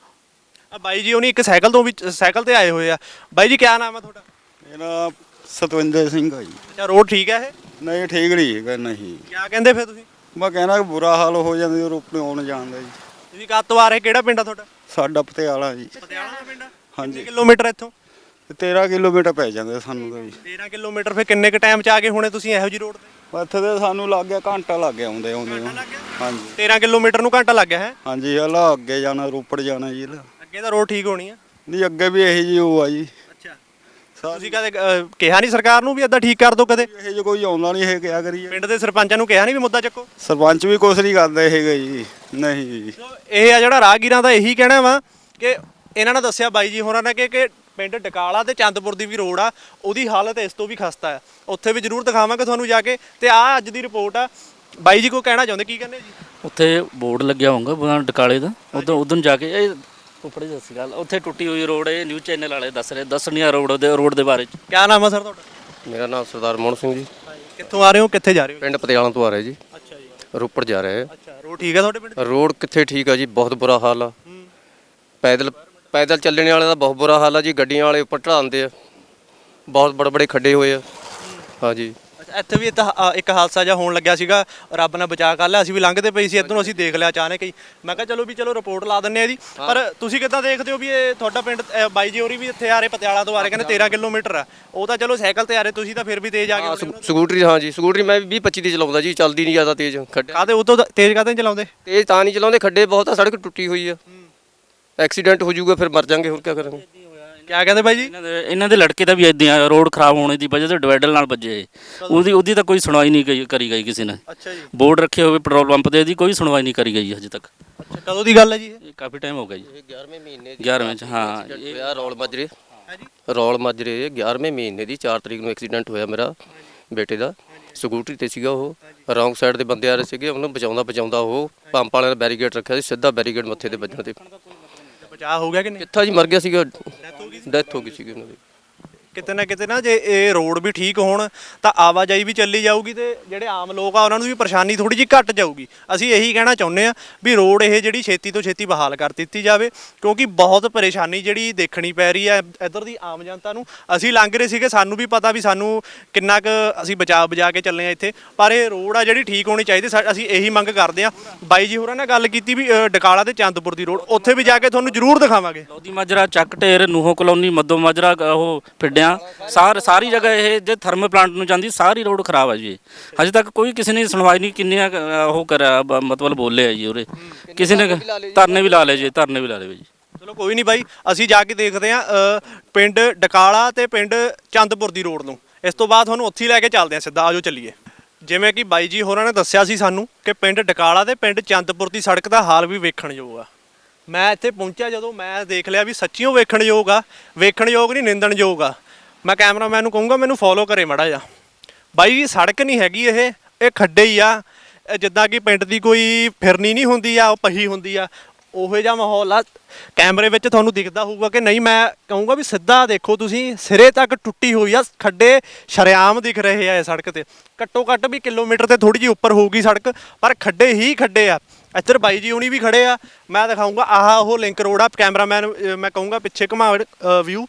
[SPEAKER 1] ਆ ਬਾਈ ਜੀ ਉਹਨੀ ਇੱਕ ਸਾਈਕਲ ਤੋਂ ਵੀ ਸਾਈਕਲ ਤੇ ਆਏ ਹੋਏ ਆ। ਬਾਈ ਜੀ ਕਿਆ ਨਾਮ ਹੈ ਤੁਹਾਡਾ?
[SPEAKER 3] ਮੇਰਾ ਸਤਵਿੰਦਰ ਸਿੰਘ ਆ ਜੀ।
[SPEAKER 1] ਅੱਛਾ ਰੋਡ ਠੀਕ ਹੈ ਇਹ?
[SPEAKER 3] ਨਹੀਂ ਠੀਕ ਨਹੀਂ ਹੈਗਾ, ਨਹੀਂ।
[SPEAKER 1] ਕਿਆ ਕਹਿੰਦੇ ਫਿਰ ਤੁਸੀਂ?
[SPEAKER 3] ਮੈਂ ਕਹਿਣਾ ਕਿ ਬੁਰਾ ਹਾਲ ਹੋ ਜਾਂਦਾ ਰੋਪੜੇ ਆਉਣ ਜਾਣ ਦਾ ਜੀ।
[SPEAKER 1] ਤੁਸੀਂ ਕਦ ਤੋਂ ਆ ਰਹੇ, ਕਿਹੜਾ ਪਿੰਡ ਆ ਤੁਹਾਡਾ?
[SPEAKER 3] ਸਾਡਾ ਪਟਿਆਲਾ ਜੀ।
[SPEAKER 1] ਪਟਿਆਲਾ ਦਾ ਪਿੰਡ ਆ?
[SPEAKER 3] ਹਾਂਜੀ।
[SPEAKER 1] ਕਿੰਨੇ ਕਿਲੋਮੀਟਰ ਇੱਥੋਂ?
[SPEAKER 3] ਤੇ ਤੇਰਾਂ ਕਿਲੋਮੀਟਰ ਪੈ ਜਾਂਦੇ ਸਾਨੂੰ ਤਾਂ ਜੀ।
[SPEAKER 1] ਤੇਰਾਂ ਕਿਲੋਮੀਟਰ ਫਿਰ ਕਿੰਨੇ ਕ ਟਾਈਮ ਚ ਆ ਗਏ ਹੋਣੇ ਤੁਸੀਂ ਇਹੋ ਜੀ ਰੋਡ ਤੇ?
[SPEAKER 3] ਇੱਥੇ ਤੇ ਸਾਨੂੰ ਲੱਗ ਗਿਆ ਘੰਟਾ ਲੱਗ ਗਿਆ ਆਉਂਦੇ ਆਉਂਦੇ ਨੂੰ। ਹਾਂਜੀ
[SPEAKER 1] ਤੇਰਾਂ ਕਿਲੋਮੀਟਰ ਨੂੰ ਘੰਟਾ ਲੱਗ ਗਿਆ ਹੈ?
[SPEAKER 3] ਹਾਂਜੀ, ਹਲਾ ਅੱਗੇ ਜਾਣਾ, ਰੋਪੜ ਜਾਣਾ ਜੀ ਹਲਾ।
[SPEAKER 1] ਅੱਗੇ ਤਾਂ ਰੋਡ ਠੀਕ ਹੋਣੀ ਆ।
[SPEAKER 3] ਨਹੀਂ ਅੱਗੇ ਵੀ ਇਹੀ ਜੀ ਉਹ ਆ ਜੀ।
[SPEAKER 1] ਅੱਛਾ, ਤੁਸੀਂ ਕਦੇ ਅਹ, ਕਿਹਾ ਨਹੀਂ ਸਰਕਾਰ ਨੂੰ ਵੀ ਏਦਾਂ ਠੀਕ ਕਰ ਦਿਓ? ਕਦੇ
[SPEAKER 3] ਇਹ ਜੇ ਕੋਈ ਆਉਂਦਾ ਨਹੀਂ ਇਹ ਕਿਆ ਕਰੀਏ?
[SPEAKER 1] ਪਿੰਡ ਦੇ ਸਰਪੰਚਾਂ ਨੂੰ ਕਿਹਾ ਨਹੀਂ ਵੀ ਮੁੱਦਾ ਚੱਕੋ?
[SPEAKER 3] ਸਰਪੰਚ ਵੀ ਕੁਛ ਨਹੀਂ ਕਰਦੇ ਹੈਗੇ ਜੀ। ਨਹੀਂ ਜੀ।
[SPEAKER 1] ਇਹ ਆ ਜਿਹੜਾ ਰਾਹਗੀਰਾਂ ਦਾ ਇਹੀ ਕਹਿਣਾ ਵਾ ਕਿ ਇਹਨਾਂ ਨੇ ਦੱਸਿਆ ਬਾਈ ਜੀ ਹੋਰਾਂ ਨੇ ਕਿ ਕਿ ਪਿੰਡ ਡਕਾਲਾ ਤੇ ਚੰਦਪੁਰ ਦੀ ਵੀ ਰੋਡ ਆ, ਉਹਦੀ ਹਾਲਤ ਇਸ ਤੋਂ ਵੀ ਖਸਤਾ ਹੈ। ਉੱਥੇ ਵੀ ਜ਼ਰੂਰ ਦਿਖਾਵਾਂਗੇ ਤੁਹਾਨੂੰ ਜਾ ਕੇ। ਤੇ ਆ ਅੱਜ ਦੀ ਰਿਪੋਰਟ ਆ। ਬਾਈ ਜੀ ਕੋਈ ਕਹਿਣਾ ਚਾਹੁੰਦੇ, ਕੀ ਕਹਿੰਦੇ ਜੀ?
[SPEAKER 2] ਉੱਥੇ ਬੋਰਡ ਲੱਗਿਆ ਹੋਊਗਾ ਡਕਾਲੇ ਦਾ, ਉਦੋਂ ਉਦੋਂ ਜਾ ਕੇ ਇਹ ਉੱਪਰ ਦੱਸੀ ਗੱਲ, ਉੱਥੇ ਟੁੱਟੀ ਹੋਈ ਰੋਡ, ਇਹ ਨਿਊਜ਼ ਚੈਨਲ ਵਾਲੇ ਦੱਸ ਰਹੇ, ਦੱਸਣੀਆਂ ਰੋਡ ਦੇ ਰੋਡ ਦੇ ਬਾਰੇ ਚ।
[SPEAKER 1] ਕਿਆ ਨਾਮ ਆ ਸਰ ਤੁਹਾਡਾ?
[SPEAKER 4] ਮੇਰਾ ਨਾਮ ਸਰਦਾਰ ਮੋਹਨ ਸਿੰਘ ਜੀ,
[SPEAKER 1] ਕਿੱਥੋਂ ਆ ਰਹੇ ਹੋ, ਕਿੱਥੇ ਜਾ ਰਹੇ ਹੋ?
[SPEAKER 4] ਪਿੰਡ ਪਤਿਆਲਾਂ ਤੋਂ ਆ ਰਹੇ ਜੀ,
[SPEAKER 1] ਅੱਛਾ ਜੀ।
[SPEAKER 4] ਰੋਪੜ ਜਾ ਰਹੇ ਆ।
[SPEAKER 1] ਅੱਛਾ, ਰੋਡ ਠੀਕ ਹੈ ਤੁਹਾਡੇ ਪਿੰਡ?
[SPEAKER 4] ਰੋਡ ਕਿੱਥੇ ਠੀਕ ਆ ਜੀ, ਬਹੁਤ ਬੁਰਾ ਹਾਲ ਆ। ਪੈਦਲ ਪੈਦਲ ਚੱਲਣ ਵਾਲੇ ਦਾ ਬਹੁਤ ਬੁਰਾ ਹਾਲ ਆ ਜੀ, ਗੱਡੀਆਂ ਵਾਲੇ ਉੱਪਰ ਢਲਾਉਂਦੇ ਆ, ਬਹੁਤ ਬੜੇ ਬੜੇ ਖੱਡੇ ਹੋਏ ਆ। ਹਾਂਜੀ,
[SPEAKER 1] ਅੱਛਾ, ਇੱਥੇ ਵੀ ਤਾਂ, ਅ, ਇੱਕ ਹਾਦਸਾ ਜਿਹਾ ਹੋਣ ਲੱਗਿਆ ਸੀਗਾ, ਰੱਬ ਨੇ ਬਚਾ ਕਰ ਲਿਆ। ਅਸੀਂ ਵੀ ਲੰਘਦੇ ਪਏ ਸੀ ਇੱਧਰੋਂ, ਅਸੀਂ ਦੇਖ ਲਿਆ ਅਚਾਨਕ ਹੀ। ਮੈਂ ਕਿਹਾ ਚਲੋ ਵੀ ਚਲੋ ਰਿਪੋਰਟ ਲਾ ਦਿੰਨੇ ਆ ਜੀ। ਪਰ ਤੁਸੀਂ ਕਿੱਦਾਂ ਦੇਖਦੇ ਹੋ ਵੀ ਇਹ ਤੁਹਾਡਾ ਪਿੰਡ, ਅ, ਬਾਈ ਜੀ ਹੋਰੀ ਵੀ ਇੱਥੇ ਆ ਰਹੇ ਪਟਿਆਲਾ ਤੋਂ ਆ ਰਹੇ, ਕਹਿੰਦੇ ਤੇਰਾਂ ਕਿਲੋਮੀਟਰ ਆ। ਉਹ ਤਾਂ ਚਲੋ ਸਾਈਕਲ ਤੇ ਆ ਰਹੇ, ਤੁਸੀਂ ਤਾਂ ਫਿਰ ਵੀ ਤੇਜ਼ ਆ ਗਏ।
[SPEAKER 4] ਸਕੂ- ਸਕੂਟਰੀ, ਹਾਂ ਜੀ ਸਕੂਟਰੀ ਮੈਂ ਵੀਹ ਪੱਚੀ ਦੀ ਚਲਾਉਂਦਾ ਜੀ, ਚੱਲਦੀ ਨਹੀਂ ਜ਼ਿਆਦਾ ਤੇਜ਼। ਖੱਡੇ
[SPEAKER 1] ਕਾਹਦੇ ਉਹ ਤੋਂ ਤੇਜ਼ ਕਾਹਦੇ ਨੀ ਚਲਾਉਂਦੇ?
[SPEAKER 4] ਤੇਜ਼ ਤਾਂ ਨਹੀਂ ਚਲਾਉਂਦੇ, ਖੱਡੇ ਬਹੁਤ ਆ, ਸੜਕ ਟੁੱਟੀ ਹੋਈ ਆ, ਐਕਸੀਡੈਂਟ ਹੋ ਜਾਊਗਾ, ਫਿਰ ਮਰ ਜਾਾਂਗੇ, ਹੋਰ ਕੀ ਕਰਾਂਗੇ।
[SPEAKER 1] ਕਿਆ ਕਹਿੰਦੇ ਬਾਈ ਜੀ?
[SPEAKER 2] ਇਹਨਾਂ ਦੇ ਇਹਨਾਂ ਦੇ ਲੜਕੇ ਦਾ ਵੀ ਇਦਾਂ ਆ, ਰੋਡ ਖਰਾਬ ਹੋਣੇ ਦੀ ਵਜ੍ਹਾ ਤੋਂ ਡਿਵਾਈਡਰ ਨਾਲ ਵੱਜੇ। ਉਹਦੀ ਉਹਦੀ ਤਾਂ ਕੋਈ ਸੁਣਵਾਈ ਨਹੀਂ ਗਈ ਕਰੀ ਗਈ ਕਿਸੇ ਨੇ।
[SPEAKER 1] ਅੱਛਾ ਜੀ।
[SPEAKER 2] ਬੋਰਡ ਰੱਖੇ ਹੋਵੇ ਪੈਟਰੋਲ ਪੰਪ ਤੇ, ਇਹਦੀ ਕੋਈ ਸੁਣਵਾਈ ਨਹੀਂ ਕਰੀ ਗਈ ਹਜੇ ਤੱਕ।
[SPEAKER 1] ਅੱਛਾ, ਕਦੋਂ ਦੀ ਗੱਲ ਹੈ ਜੀ ਇਹ?
[SPEAKER 2] ਇਹ ਕਾਫੀ ਟਾਈਮ ਹੋ ਗਿਆ ਜੀ।
[SPEAKER 4] ਇਹ ਗਿਆਰਵੇਂ ਮਹੀਨੇ
[SPEAKER 2] ਗਿਆਰਵੇਂ ਚ, ਹਾਂ।
[SPEAKER 4] ਹੋਇਆ ਰੌਲ ਮਾਜਰੇ, ਰੌਲ ਮਾਜਰੇ ਗਿਆਰਵੇਂ ਮਹੀਨੇ ਦੀ ਚਾਰ ਤਰੀਕ ਨੂੰ ਐਕਸੀਡੈਂਟ ਹੋਇਆ ਮੇਰਾ ਬੇਟੇ ਦਾ। ਸਕੂਟਰੀ ਤੇ ਸੀਗਾ ਉਹ, ਰੌਂਗ ਸਾਈਡ ਦੇ ਬੰਦੇ ਆ ਰਹੇ ਸੀਗੇ, ਉਹਨੂੰ ਬਚਾਉਂਦਾ ਬਚਾਉਂਦਾ ਉਹ ਪੰਪ ਵਾਲਿਆਂ ਨੇ ਬੈਰੀਗੇਡ ਰੱਖਿਆ ਸੀ, ਸਿੱਧਾ ਬੈਰੀਗੇਡ ਮੱਥੇ ਤੇ ਵੱਜਣ ਤੇ
[SPEAKER 1] ਬਚਾਅ ਹੋ ਗਿਆ ਕਿ ਨਹੀਂ?
[SPEAKER 4] ਕਿੱਥਾ ਜੀ, ਮਰ ਗਿਆ ਸੀਗਾ, ਡੈਥ ਹੋ ਗਈ ਸੀਗੀ ਉਹਨਾਂ ਦੀ।
[SPEAKER 1] ਕਿਤੇ ਨਾ ਕਿਤੇ ਨਾ ਜੇ ਇਹ ਰੋਡ ਵੀ ਠੀਕ ਹੋਣ ਤਾਂ ਆਵਾਜਾਈ ਵੀ ਚੱਲੀ ਜਾਊਗੀ, ਤੇ ਜਿਹੜੇ ਆਮ ਲੋਕ ਆ ਉਹਨਾਂ ਨੂੰ ਵੀ ਪਰੇਸ਼ਾਨੀ ਥੋੜੀ ਜਿਹੀ ਘੱਟ ਜਾਊਗੀ। ਅਸੀਂ ਇਹੀ ਕਹਿਣਾ ਚਾਹੁੰਦੇ ਆ ਵੀ ਰੋਡ ਇਹ ਜਿਹੜੀ ਛੇਤੀ ਤੋਂ ਛੇਤੀ ਬਹਾਲ ਕਰ ਦਿੱਤੀ ਜਾਵੇ, ਕਿਉਂਕਿ ਬਹੁਤ ਪਰੇਸ਼ਾਨੀ ਜਿਹੜੀ ਦੇਖਣੀ ਪੈ ਰਹੀ ਹੈ ਇੱਧਰ ਦੀ ਆਮ ਜਨਤਾ ਨੂੰ। ਅਸੀਂ ਲੰਘ ਰਹੇ ਸੀਗੇ, ਸਾਨੂੰ ਵੀ ਪਤਾ ਵੀ ਸਾਨੂੰ ਕਿੰਨਾ ਕੁ ਅਸੀਂ ਬਚਾ ਬਚਾ ਕੇ ਚੱਲੇ ਆ ਇੱਥੇ, ਪਰ ਇਹ ਰੋਡ ਆ ਜਿਹੜੀ ਠੀਕ ਹੋਣੀ ਚਾਹੀਦੀ। ਸਾ- ਅਸੀਂ ਇਹੀ ਮੰਗ ਕਰਦੇ ਆ। ਬਾਈ ਜੀ ਹੋਰਾਂ ਨੇ ਗੱਲ ਕੀਤੀ ਵੀ ਅ, ਡਕਾਲਾ ਤੇ ਚੰਦਪੁਰ ਦੀ ਰੋਡ, ਉੱਥੇ ਵੀ ਜਾ ਕੇ ਤੁਹਾਨੂੰ ਜ਼ਰੂਰ ਦਿਖਾਵਾਂਗੇ।
[SPEAKER 2] ਲੋਧੀ ਮਾਜਰਾ, ਚੱਕ ਢੇਰ, ਨੂਹੋ ਕਲੋਨੀ, ਮੱਦੋ ਮਾਜਰਾ, ਉਹ ਪਿੰਡਿਆਂ ਸਾਰ ਸਾਰੀ ਜਗ੍ਹਾ ਇਹ ਜੇ ਥਰਮਲ ਪਲਾਂਟ ਨੂੰ ਜਾਂਦੀ ਸਾਰੀ ਰੋਡ ਖਰਾਬ ਹੈ ਜੀ। ਹਜੇ ਤੱਕ ਕੋਈ ਕਿਸੇ ਨੇ ਸੁਣਵਾਈ ਨਹੀਂ, ਕਿੰਨੇ ਉਹ ਕਰਿਆ ਬ- ਮਤਲਬ ਬੋਲੇ ਆ ਜੀ ਉਰੇ, ਕਿਸੇ ਨੇ ਧਰਨੇ ਵੀ ਲਾ ਲਏ ਜੀ, ਧਰਨੇ ਵੀ ਲਾ ਲਏ ਜੀ।
[SPEAKER 1] ਚਲੋ ਕੋਈ ਨਹੀਂ ਬਾਈ, ਅਸੀਂ ਜਾ ਕੇ ਦੇਖਦੇ ਆ ਪਿੰਡ ਡਕਾਲਾ ਤੇ ਪਿੰਡ ਚੰਦਪੁਰ ਦੀ ਰੋਡ ਨੂੰ। ਇਸ ਤੋਂ ਬਾਅਦ ਤੁਹਾਨੂੰ ਉੱਥੇ ਹੀ ਲੈ ਕੇ ਚੱਲਦੇ ਆ ਸਿੱਧਾ, ਆਜੋ ਚੱਲੀਏ। ਜਿਵੇਂ ਕਿ ਬਾਈ ਜੀ ਹੋਰਾਂ ਨੇ ਦੱਸਿਆ ਸੀ ਸਾਨੂੰ ਕਿ ਪਿੰਡ ਡਕਾਲਾ ਤੇ ਪਿੰਡ ਚੰਦਪੁਰ ਦੀ ਸੜਕ ਦਾ ਹਾਲ ਵੀ ਵੇਖਣਯੋਗ ਆ। ਮੈਂ ਇੱਥੇ ਪਹੁੰਚਿਆ ਜਦੋਂ, ਮੈਂ ਦੇਖ ਲਿਆ ਵੀ ਸੱਚੀਓ ਵੇਖਣਯੋਗ ਆ, ਵੇਖਣਯੋਗ ਨਹੀਂ ਨਿੰਦਣਯੋਗ ਆ। ਮੈਂ ਕੈਮਰਾਮੈਨ ਨੂੰ ਕਹੂੰਗਾ ਮੈਨੂੰ ਫੋਲੋ ਕਰੇ ਮਾੜਾ ਜਿਹਾ। ਬਾਈ ਜੀ ਸੜਕ ਨਹੀਂ ਹੈਗੀ ਇਹ, ਇਹ ਖੱਡੇ ਹੀ ਆ। ਇਹ ਜਿੱਦਾਂ ਕਿ ਪਿੰਡ ਦੀ ਕੋਈ ਫਿਰਨੀ ਨਹੀਂ ਹੁੰਦੀ ਆ, ਉਹ ਪਹੀ ਹੁੰਦੀ ਆ, ਉਹੋ ਜਿਹਾ ਮਾਹੌਲ ਆ। ਕੈਮਰੇ ਵਿੱਚ ਤੁਹਾਨੂੰ ਦਿਖਦਾ ਹੋਊਗਾ ਕਿ ਨਹੀਂ, ਮੈਂ ਕਹੂੰਗਾ ਵੀ ਸਿੱਧਾ ਦੇਖੋ ਤੁਸੀਂ, ਸਿਰੇ ਤੱਕ ਟੁੱਟੀ ਹੋਈ ਆ, ਖੱਡੇ ਸ਼ਰੇਆਮ ਦਿਖ ਰਹੇ ਆ। ਇਹ ਸੜਕ ਤੇ ਘੱਟੋ ਘੱਟ ਵੀ ਕਿਲੋਮੀਟਰ ਤੇ ਥੋੜੀ ਜਿਹੀ ਉੱਪਰ ਹੋਊਗੀ ਸੜਕ, ਪਰ ਖੱਡੇ ਹੀ ਖੱਡੇ ਆ। ਇੱਧਰ ਬਾਈ ਜੀ ਹੁਣੀ ਵੀ ਖੜੇ ਆ, ਮੈਂ ਦਿਖਾਊਂਗਾ। ਆਹ ਉਹ ਲਿੰਕ ਰੋਡ ਆ। ਕੈਮਰਾਮੈਨ ਮੈਂ ਕਹੂੰਗਾ ਪਿੱਛੇ ਘੁਮਾ ਵਿਊ।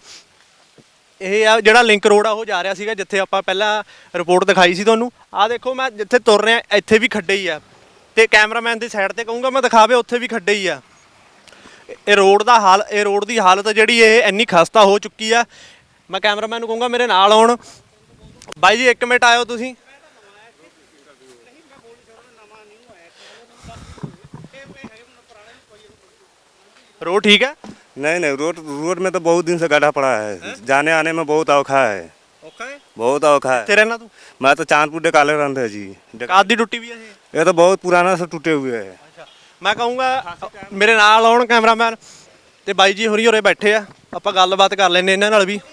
[SPEAKER 1] ਇਹ ਆ ਜਿਹੜਾ ਲਿੰਕ ਰੋਡ ਆ, ਉਹ ਜਾ ਰਿਹਾ ਸੀਗਾ ਜਿੱਥੇ ਆਪਾਂ ਪਹਿਲਾਂ ਰਿਪੋਰਟ ਦਿਖਾਈ ਸੀ ਤੁਹਾਨੂੰ। ਆਹ ਦੇਖੋ, ਮੈਂ ਜਿੱਥੇ ਤੁਰ ਰਿਹਾ ਇੱਥੇ ਵੀ ਖੱਡੇ ਹੀ ਆ, ਤੇ ਕੈਮਰਾਮੈਨ ਦੀ ਸਾਈਡ ਤੇ ਕਹੂੰਗਾ ਮੈਂ ਦਿਖਾਵੇ, ਉੱਥੇ ਵੀ ਖੱਡੇ ਹੀ ਆ। ਇਹ ਰੋਡ ਦਾ ਹਾਲ, ਇਹ ਰੋਡ ਦੀ ਹਾਲਤ ਜਿਹੜੀ ਇਹ ਇੰਨੀ ਖਸਤਾ ਹੋ ਚੁੱਕੀ ਆ। ਮੈਂ ਕੈਮਰਾਮੈਨ ਨੂੰ ਕਹੂੰਗਾ ਮੇਰੇ ਨਾਲ ਆਉਣ। ਬਾਈ ਜੀ ਇੱਕ ਮਿੰਟ ਆਇਓ ਤੁਸੀਂ। रोड ठीक है?
[SPEAKER 7] नहीं नहीं, रोड रोड में तो बहुत दिन से गड्ढा पड़ा है, है? जाने आने में बहुत औखा है,
[SPEAKER 1] औखा है?
[SPEAKER 7] बहुत औखा है।
[SPEAKER 1] तेरे ना तू
[SPEAKER 7] मैं तो चांदपुर डकाले रहते हैं जी।
[SPEAKER 1] काद दी टुट्टी भी है ये?
[SPEAKER 7] ये तो बहुत पुराना से टूटे हुए है।
[SPEAKER 1] अच्छा, मैं कहूँगा मेरे नाल आउण कैमरामैन ਤੇ ਬਾਈ ਜੀ ਹੋਰੀ ਹੋਰੇ ਬੈਠੇ ਆ, ਆਪਾਂ ਗੱਲਬਾਤ ਕਰ ਲੈਂਦੇ ਇਹਨਾਂ ਨਾਲ ਵੀ।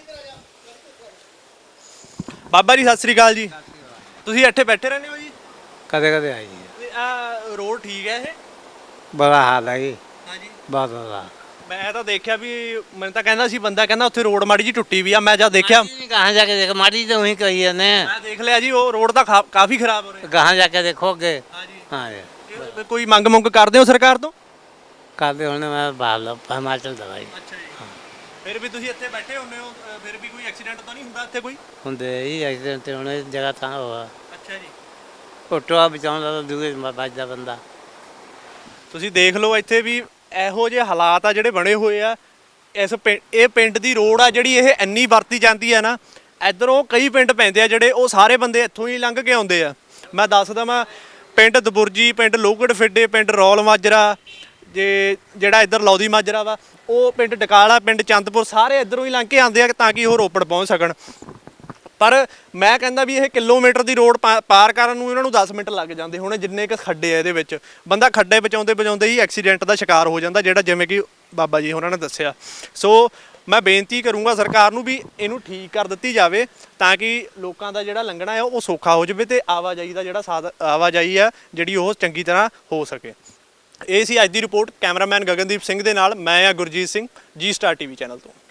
[SPEAKER 1] ਬਾਬਾ ਜੀ ਸਤਿ ਸ੍ਰੀ ਅਕਾਲ ਜੀ। ਤੁਸੀਂ ਇੱਥੇ ਬੈਠੇ ਰਹਿੰਦੇ ਹੋ ਜੀ?
[SPEAKER 6] ਕਦੇ ਕਦੇ ਆਈ ਜੀ।
[SPEAKER 1] ਆ ਰੋਡ ਠੀਕ ਹੈ ਇਹ?
[SPEAKER 6] ਬੜਾ ਹਾਲ ਹੈ ਜੀ,
[SPEAKER 1] ਹਾਂਜੀ।
[SPEAKER 6] ਬਹੁਤ ਬੜਾ।
[SPEAKER 1] ਮੈਂ ਤਾਂ ਦੇਖਿਆ ਵੀ, ਮੈਨੂੰ ਤਾਂ ਕਹਿੰਦਾ ਸੀ ਬੰਦਾ, ਕਹਿੰਦਾ ਉੱਥੇ ਰੋਡ ਮਾੜੀ ਜੀ ਟੁੱਟੀ ਵੀ ਆ। ਮੈਂ ਜਦ ਦੇਖਿਆ,
[SPEAKER 5] कहाँ जाके देखो, माटी तो वहीं कही है ने।
[SPEAKER 1] ਮੈਂ ਦੇਖ ਲਿਆ ਜੀ ਉਹ ਰੋਡ ਤਾਂ ਖਾ- ਕਾਫੀ ਖਰਾਬ ਹੋ ਰਿਹਾ।
[SPEAKER 5] कहाँ जाके देखोगे?
[SPEAKER 1] ਹਾਂਜੀ।
[SPEAKER 6] ਹਾਂ ਜੀ,
[SPEAKER 1] ਇਹ ਕੋਈ ਮੰਗ ਮੰਗ ਕਰਦੇ ਹੋ ਸਰਕਾਰ ਤੋਂ?
[SPEAKER 6] ਕਰਦੇ ਹੁਣ ਮੈਂ ਬਾਹਰ ਹਿਮਾਚਲ ਦਵਾਈ
[SPEAKER 1] ਅੱਛਾ ਜੀ। ਫਿਰ ਵੀ ਤੁਸੀਂ ਇੱਥੇ ਬੈਠੇ ਹੁੰਦੇ ਹੋ, ਅ, ਫਿਰ ਵੀ ਕੋਈ ਐਕਸੀਡੈਂਟ ਤਾਂ ਨਹੀਂ ਹੁੰਦਾ ਇੱਥੇ ਕੋਈ?
[SPEAKER 6] ਹੁੰਦੇ ਹੀ ਐਕਸੀਡੈਂਟ ਤੇ ਹੁਣ ਇਸ ਜਗ੍ਹਾ ਤਾਂ ਹੋਆ।
[SPEAKER 1] ਅੱਛਾ ਜੀ।
[SPEAKER 6] ਫੋਟੋਆ ਬਚਾਉਂਦਾ ਤਾਂ ਦੂਏ ਵੱਜਦਾ ਬੰਦਾ।
[SPEAKER 1] ਤੁਸੀਂ ਦੇਖ ਲਓ ਇੱਥੇ ਵੀ ਇਹੋ ਜਿਹੇ ਹਾਲਾਤ ਆ ਜਿਹੜੇ ਬਣੇ ਹੋਏ ਆ। ਇਸ ਪਿੰ- ਇਹ ਪਿੰਡ ਦੀ ਰੋਡ ਆ ਜਿਹੜੀ ਇਹ ਇੰਨੀ ਵਰਤੀ ਜਾਂਦੀ ਹੈ ਨਾ, ਇੱਧਰੋਂ ਕਈ ਪਿੰਡ ਪੈਂਦੇ ਆ ਜਿਹੜੇ, ਉਹ ਸਾਰੇ ਬੰਦੇ ਇੱਥੋਂ ਹੀ ਲੰਘ ਕੇ ਆਉਂਦੇ ਆ। ਮੈਂ ਦੱਸਦਾ, ਮੈਂ ਪਿੰਡ ਦਬੁਰਜੀ, ਪਿੰਡ ਲੋਹਗੜ ਫਿੱਡੇ, ਪਿੰਡ ਰੌਲ ਮਾਜਰਾ, ਜੇ ਜਿਹੜਾ ਇੱਧਰ ਲੌਦੀ ਮਾਜਰਾ ਵਾ, ਉਹ ਪਿੰਡ ਡਕਾਲਾ, ਪਿੰਡ ਚੰਦਪੁਰ, ਸਾਰੇ ਇੱਧਰੋਂ ਹੀ ਲੰਘ ਕੇ ਆਉਂਦੇ ਆ ਤਾਂ ਕਿ ਉਹ ਰੋਪੜ ਪਹੁੰਚ ਸਕਣ। ਪਰ ਮੈਂ ਕਹਿੰਦਾ ਵੀ ਇਹ ਕਿਲੋਮੀਟਰ ਦੀ ਰੋਡ ਪਾਰ ਕਰਨ ਨੂੰ ਇਹਨਾਂ ਨੂੰ ਦਸ ਮਿੰਟ ਲੱਗ ਜਾਂਦੇ ਹੋਣੇ, ਜਿੰਨੇ ਕੁ ਖੱਡੇ ਆ ਇਹਦੇ ਵਿੱਚ। ਬੰਦਾ ਖੱਡੇ ਬਚਾਉਂਦੇ ਬਚਾਉਂਦੇ ਹੀ ਐਕਸੀਡੈਂਟ ਦਾ ਸ਼ਿਕਾਰ ਹੋ ਜਾਂਦਾ, ਜਿਹੜਾ ਜਿਵੇਂ ਕਿ ਬਾਬਾ ਜੀ ਉਹਨਾਂ ਨੇ ਦੱਸਿਆ। ਸੋ ਮੈਂ ਬੇਨਤੀ ਕਰੂੰਗਾ ਸਰਕਾਰ ਨੂੰ ਵੀ ਇਹਨੂੰ ਠੀਕ ਕਰ ਦਿੱਤੀ ਜਾਵੇ, ਤਾਂ ਕਿ ਲੋਕਾਂ ਦਾ ਜਿਹੜਾ ਲੰਘਣਾ ਹੈ ਉਹ ਸੌਖਾ ਹੋ ਜਾਵੇ, ਤੇ ਆਵਾਜਾਈ ਦਾ ਜਿਹੜਾ ਸਾਧ ਆਵਾਜਾਈ ਆ ਜਿਹੜੀ ਉਹ ਚੰਗੀ ਤਰ੍ਹਾਂ ਹੋ ਸਕੇ। ਇਹ ਸੀ ਅੱਜ ਦੀ ਰਿਪੋਰਟ। ਕੈਮਰਾਮੈਨ ਗਗਨਦੀਪ ਸਿੰਘ ਦੇ ਨਾਲ ਮੈਂ ਆ ਗੁਰਜੀਤ ਸਿੰਘ, ਜੀ ਸਟਾਰ ਟੀਵੀ ਚੈਨਲ ਤੋਂ।